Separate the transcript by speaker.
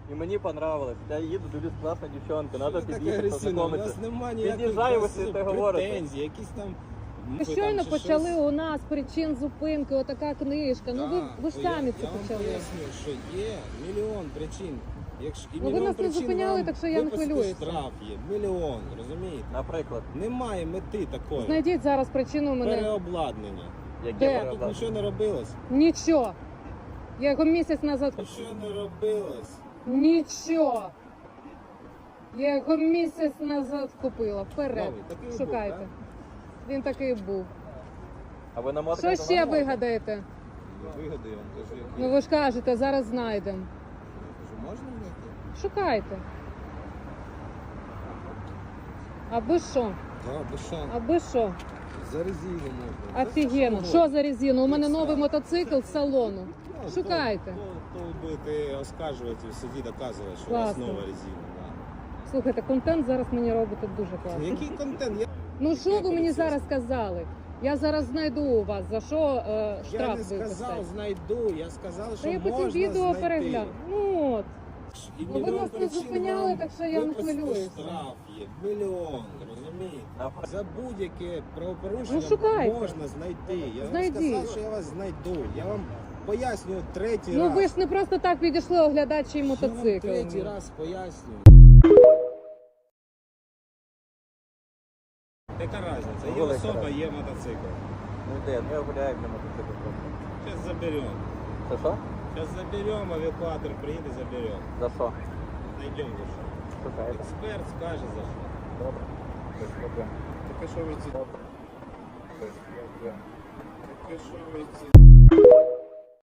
Speaker 1: І мені понравилось. Я їду, дивлюсь, класна дівчонка, треба під'їхати,
Speaker 2: У
Speaker 1: познайомитися.
Speaker 2: нас немає ніяких
Speaker 1: Під'їжджаю, ви сидите, говорите.
Speaker 2: претензій, якісь там...
Speaker 3: Ви щойно почали у нас причин зупинки, отака книжка. Ну ви ж самі це
Speaker 2: Я вам
Speaker 3: почали.
Speaker 2: поясню, що є мільйон причин. Якщо, і
Speaker 3: Ну, ви
Speaker 2: мільйон
Speaker 3: нас не
Speaker 2: причин
Speaker 3: зупиняли,
Speaker 2: вам
Speaker 3: так що я не
Speaker 2: виписати
Speaker 3: хвилююся.
Speaker 2: штраф є, мільйон, розумієте?
Speaker 1: Наприклад,
Speaker 2: Немає мети такої.
Speaker 3: Знайдіть зараз причину мене.
Speaker 2: Переобладнання.
Speaker 1: яке
Speaker 3: Де?
Speaker 2: Тут
Speaker 1: переобладнання?
Speaker 2: нічого не робилось.
Speaker 3: Нічого. Я його місяць назад.
Speaker 2: Нічого не робилось.
Speaker 3: Нічого. Я його місяць назад купила. Вперед.
Speaker 2: Новий, такий був,
Speaker 3: Шукайте.
Speaker 2: так?
Speaker 3: Він такий був.
Speaker 1: А ви намотаєте?
Speaker 3: Що ще вигадаєте?
Speaker 2: Вигоди, я вам кажу, які.
Speaker 3: Ну ви ж кажете, зараз знайдемо.
Speaker 2: Я кажу, можна знайти?
Speaker 3: Шукайте. Аби що?
Speaker 2: Так, без шансу.
Speaker 3: Аби що?
Speaker 2: За резину можна.
Speaker 3: Офігенно. Що за резину? У мене новий мотоцикл з салону. Шукайте.
Speaker 2: То будете оскаржувати в суді, доказувати, що у вас
Speaker 3: Класно.
Speaker 2: нова резина.
Speaker 3: Слухайте, контент зараз мені робите дуже
Speaker 2: Да.
Speaker 3: класно.
Speaker 2: Який контент?
Speaker 3: Ну що ви мені зараз сказали? Я зараз знайду у вас, за що
Speaker 2: Я
Speaker 3: штраф
Speaker 2: не сказав,
Speaker 3: виписати.
Speaker 2: знайду, я сказав, що
Speaker 3: Та я потім
Speaker 2: можна
Speaker 3: відео
Speaker 2: знайти.
Speaker 3: перегляну. Ну от.
Speaker 2: І
Speaker 3: Ну, ви
Speaker 2: мільйон
Speaker 3: нас не
Speaker 2: причин
Speaker 3: зупиняли,
Speaker 2: вам
Speaker 3: так що я не
Speaker 2: виписати
Speaker 3: хвилююся.
Speaker 2: Штраф є, мільйон, розумієте?
Speaker 1: Наприклад.
Speaker 2: За будь-яке правопорушення
Speaker 3: Ну, шукайте.
Speaker 2: можна знайти. Я вам
Speaker 3: Знайдіть.
Speaker 2: сказав, що я вас знайду. Я вам пояснюю третій
Speaker 3: Ну
Speaker 2: раз.
Speaker 3: ви ж не просто так підійшли оглядати чий
Speaker 2: Я вам
Speaker 3: мотоцикл.
Speaker 2: третій раз пояснюю. Яка різниця? Є
Speaker 1: Велика
Speaker 2: особа,
Speaker 1: разниця.
Speaker 2: є мотоцикл.
Speaker 1: Ну де? Ну я гуляю на мотоциклі просто.
Speaker 2: Зараз заберемо.
Speaker 1: Це що?
Speaker 2: Зараз заберемо, евакуатор приїде, заберемо.
Speaker 1: За що?
Speaker 2: Знайдемо за що.
Speaker 1: Шукаєте.
Speaker 2: Експерт скаже за що.
Speaker 1: Добре. Без проблем.
Speaker 2: Таке що ви ці...
Speaker 1: Без проблем.
Speaker 2: Таке що ви ці...